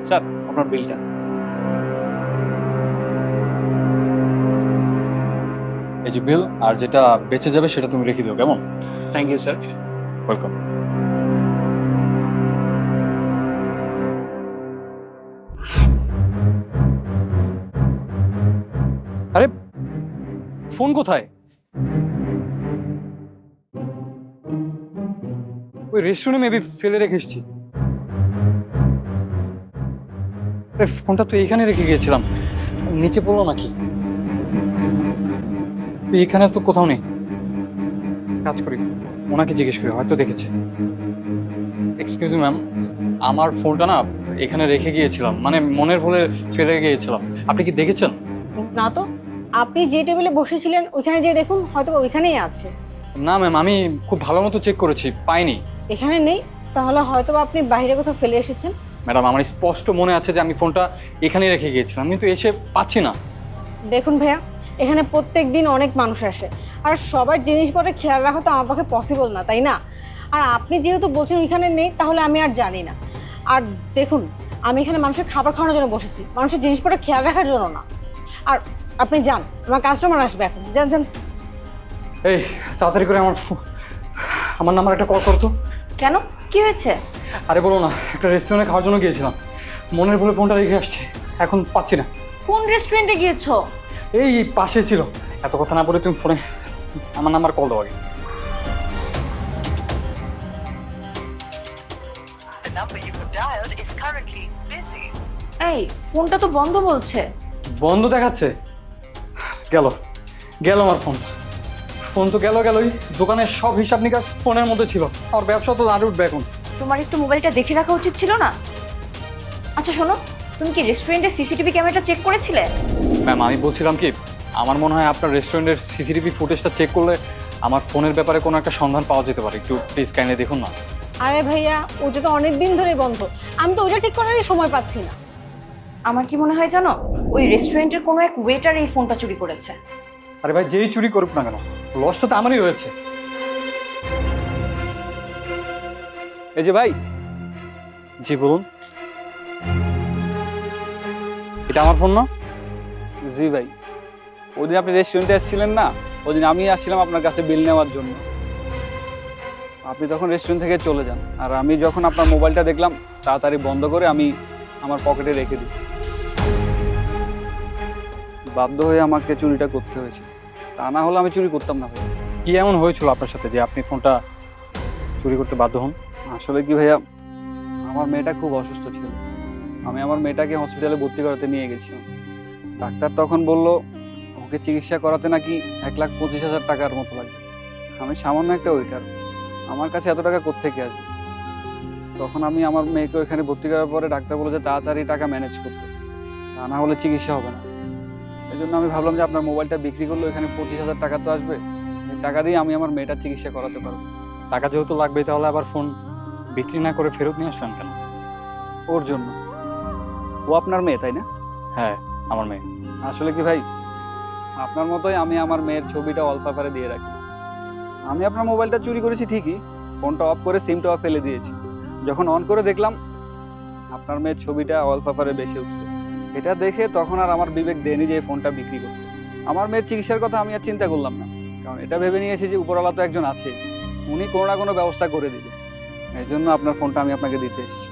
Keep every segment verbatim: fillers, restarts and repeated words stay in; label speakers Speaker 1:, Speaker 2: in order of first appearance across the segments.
Speaker 1: Sir, আপনার বিলটা।
Speaker 2: এই যে বিল, আর যেটা বেঁচে যাবে সেটা তুমি রেখে দিও, কেমন?
Speaker 1: Thank you sir.
Speaker 2: ওয়েলকাম। আরে ফোন কোথায়? ওই রেস্টুরেন্টে মেবি ফেলে রেখে এসেছি। আরে ফোনটা তো এইখানে রেখে গিয়েছিলাম, নিচে পড়লো নাকি? এইখানে তো কোথাও নেই। কাজ করি, ওনাকে জিজ্ঞেস করি, হয়তো দেখেছে। এক্সকিউজ মি ম্যাম, আমার ফোনটা না এখানে রেখে গিয়েছিলাম, মানে মনের ভুলে ফেলে গিয়েছিলাম। আপনি কি দেখেছেন?
Speaker 3: না তো, আপনি যে টেবিলে বসেছিলেন ওইখানে যে দেখুন, হয়তো বা ওইখানেই আছে।
Speaker 2: না ম্যাম, আমি খুব ভালো মতো চেক করেছি, পাইনি।
Speaker 3: এখানে নেই, তাহলে হয়তো বা আপনি বাইরে কোথাও ফেলে এসেছেন।
Speaker 2: ম্যাডাম, আমার স্পষ্ট মনে আছে যে আমি ফোনটা এখানেই রেখে গিয়েছিলাম, কিন্তু এসে পাচ্ছি না।
Speaker 3: দেখুন ভাইয়া, এখানে প্রত্যেক দিন অনেক মানুষ আসে, আর সবার জিনিসপত্রে খেয়াল রাখা তো আমার পক্ষে পসিবল না, তাই না? আর আপনি যেহেতু বলছেন ওইখানে নেই, তাহলে আমি আর জানি না। আর দেখুন, আমি এখানে মানুষের খাবার খাওয়ানোর জন্য বসেছি, মানুষের জিনিসপত্র খেয়াল রাখার জন্য না। আর আপনি যান, আমার কাস্টমার আসবে এখন, যান যান।
Speaker 2: এই তাড়াতাড়ি করে আমার ফো- আমার নাম্বার একটা কল করতো।
Speaker 4: কেন, কি হয়েছে?
Speaker 2: আরে বলো না, একটা রেস্টুরেন্টে খাওয়ার জন্য গিয়েছিলাম, মনের ভুলে ফোনটা রেখে আসছি, এখন পাচ্ছি না।
Speaker 4: কোন রেস্টুরেন্টে গিয়েছো?
Speaker 2: এই পাশে ছিল। এত কথা না বলে তুমি ফোনে আমার নাম্বার কল দাও আগে।
Speaker 5: The number you have dialed is currently busy.
Speaker 4: এই ফোনটা তো বন্ধ বলছে।
Speaker 2: বন্ধ দেখাচ্ছে? গেল গেল আমার ফোন। ফোন তো গেল গেলই, দোকানের সব হিসাব নিকাশ ফোনের মধ্যে ছিল, আর ব্যবসা তো দাঁড়িয়ে উঠবে এখন।
Speaker 4: তোমার একটু মোবাইলটা দেখে রাখা উচিত ছিল না? আচ্ছা শোনো, তুমি কি রেস্টুরেন্টের সিসিটিভি ক্যামেরাটা চেক করেছিলে?
Speaker 2: ম্যাম, আমি বলছিলাম কি, আমার মনে হয় আপনার রেস্টুরেন্টের সিসিটিভি ফুটেজটা চেক করলে আমার ফোনের ব্যাপারে কোনো একটা সন্ধান পাওয়া যেতে পারে। একটু প্লিজ কাইন্ডলি দেখুন না।
Speaker 3: আরে ভাইয়া, ওইটা তো অনেক দিন ধরেই বন্ধ, আমি তো ওইটা ঠিক করারই সময় পাচ্ছি না।
Speaker 4: আমার কি মনে হয় জানো, ওই রেস্টুরেন্টের কোনো এক ওয়েটার এই ফোনটা চুরি করেছে।
Speaker 2: আরে ভাই, যেই চুরি করুক না কেন, লসটা তো আমারই হয়েছে।
Speaker 1: এই যে ভাই,
Speaker 2: জি বলুন। এটা আমার ফোন না?
Speaker 1: জি ভাই, ওদিন আপনি রেস্টুরেন্টে আসছিলেন না, ওদিন আমি আসছিলাম আপনার কাছে বিল নেওয়ার জন্য। আপনি তখন রেস্টুরেন্ট থেকে চলে যান, আর আমি যখন আপনার মোবাইলটা দেখলাম, তাড়াতাড়ি বন্ধ করে আমি আমার পকেটে রেখে দিই। বাধ্য হয়ে আমাকে চুরিটা করতে হয়েছে, তা না হলে আমি চুরি করতাম না ভাই।
Speaker 2: কি এমন হয়েছিল আপনার সাথে যে আপনি ফোনটা চুরি করতে বাধ্য হন?
Speaker 1: আসলে কি ভাইয়া, আমার মেয়েটা খুব অসুস্থ ছিল, আমি আমার মেয়েটাকে হসপিটালে ভর্তি করাতে নিয়ে গেছিলাম। ডাক্তার তখন বলল ওকে চিকিৎসা করাতে নাকি এক লাখ পঁচিশ হাজার টাকার মতো লাগবে। আমি সামান্য একটা ওয়েটার, আমার কাছে এত টাকা কোত্থেকে আসবে? তখন আমি আমার মেয়েকে ওইখানে ভর্তি করার পরে ডাক্তার বলে যে তাড়াতাড়ি টাকা ম্যানেজ করতে, তা না হলে চিকিৎসা হবে না। এই জন্য আমি ভাবলাম যে আপনার মোবাইলটা বিক্রি করলে ওইখানে পঁচিশ হাজার টাকা তো আসবে, এই টাকা দিয়ে আমি আমার মেয়েটার চিকিৎসা করাতে পারবো।
Speaker 2: টাকা যেহেতু লাগবে, তাহলে আবার ফোন বিক্রি না করে ফেরত নিয়ে আসলেন কেন?
Speaker 1: ওর জন্য, ও আপনার মেয়ে তাই না?
Speaker 2: হ্যাঁ, আমার মেয়ে।
Speaker 1: আসলে কি ভাই, আপনার মতোই আমি আমার মেয়ের ছবিটা ওয়ালপেপারে দিয়ে রাখি। আমি আপনার মোবাইলটা চুরি করেছি ঠিকই, ফোনটা অফ করে সিমটা অফ ফেলে দিয়েছি। যখন অন করে দেখলাম আপনার মেয়ের ছবিটা ওয়ালপেপারে বেশি উঠছে, এটা দেখে তখন আর আমার বিবেক দেয়নি যে এই ফোনটা বিক্রি করতে। আমার মেয়ের চিকিৎসার কথা আমি আর চিন্তা করলাম না, কারণ এটা ভেবে নিয়েছি যে উপরওয়ালা তো একজন আছে, উনি কোনো না কোনো ব্যবস্থা করে দিবে। এই জন্য আপনার ফোনটা আমি আপনাকে দিতে এসেছি।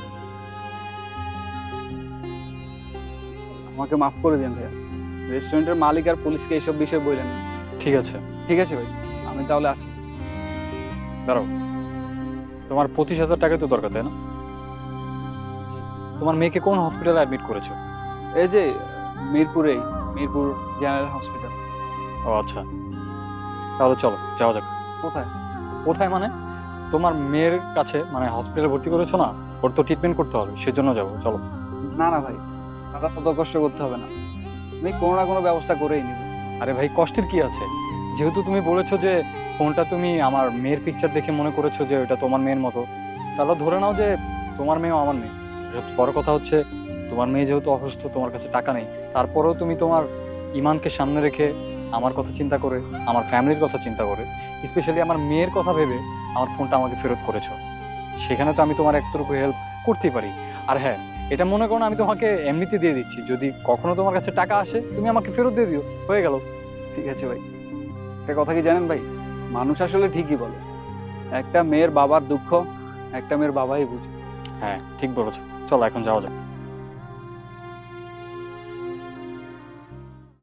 Speaker 1: আমাকে মাফ করে দিন ভাইয়া, রেস্টুরেন্টের মালিক আর পুলিশকে এইসব বিষয়ে বললেন না।
Speaker 2: ঠিক আছে,
Speaker 1: ঠিক আছে ভাই, আমি তাহলে আসি।
Speaker 2: দাঁড়াও, তোমার পঁচিশ হাজার টাকা তো দরকার, তাই না? তোমার মেয়েকে কোন হসপিটালে অ্যাডমিট করেছো?
Speaker 1: এই যে মিরপুরেই, মিরপুর জেনারেল হসপিটাল।
Speaker 2: ও আচ্ছা, তাহলে চলো যাওয়া যাক।
Speaker 1: কোথায়?
Speaker 2: কোথায় মানে? তোমার মেয়ের কাছে, মানে হসপিটালে ভর্তি করেছো না, ওর তো ট্রিটমেন্ট করতে হবে, সেজন্য যাবো, চলো।
Speaker 1: না না ভাই, দাদা অত কষ্ট করতে হবে না, আমি কোনো না কোনো ব্যবস্থা করেই নিব।
Speaker 2: আরে ভাই, কষ্টের কি আছে? যেহেতু তুমি বলেছো যে ফোনটা তুমি আমার মেয়ের পিকচার দেখে মনে করেছো যে ওটা তোমার মেয়ের মতো, তাহলে ধরে নাও যে তোমার মেয়েও আমার মেয়ে। সবচেয়ে বড় কথা হচ্ছে, তোমার মেয়ে যেহেতু অসুস্থ, তোমার কাছে টাকা নেই, তারপরেও তুমি তোমার ইমানকে সামনে রেখে আমার কথা চিন্তা করে, আমার ফ্যামিলির কথা চিন্তা করে, স্পেশালি আমার মেয়ের কথা ভেবে আমার ফোনটা আমাকে ফেরত করেছো। সেখানে তো আমি তোমার একটুকু হেল্প করতেই পারি। আর হ্যাঁ, এটা মনে করো না আমি তোমাকে এমনিতে দিয়ে দিচ্ছি, যদি কখনো তোমার কাছে টাকা আসে তুমি আমাকে ফেরত দিয়ে দিও, হয়ে গেল।
Speaker 1: ঠিক আছে ভাই। একটা কথা কি জানেন ভাই, মানুষ আসলে ঠিকই বলে, একটা মেয়ের বাবার দুঃখ একটা মেয়ের বাবাই বুঝে।
Speaker 2: হ্যাঁ ঠিক বলেছো, চলো এখন যাওয়া যাক।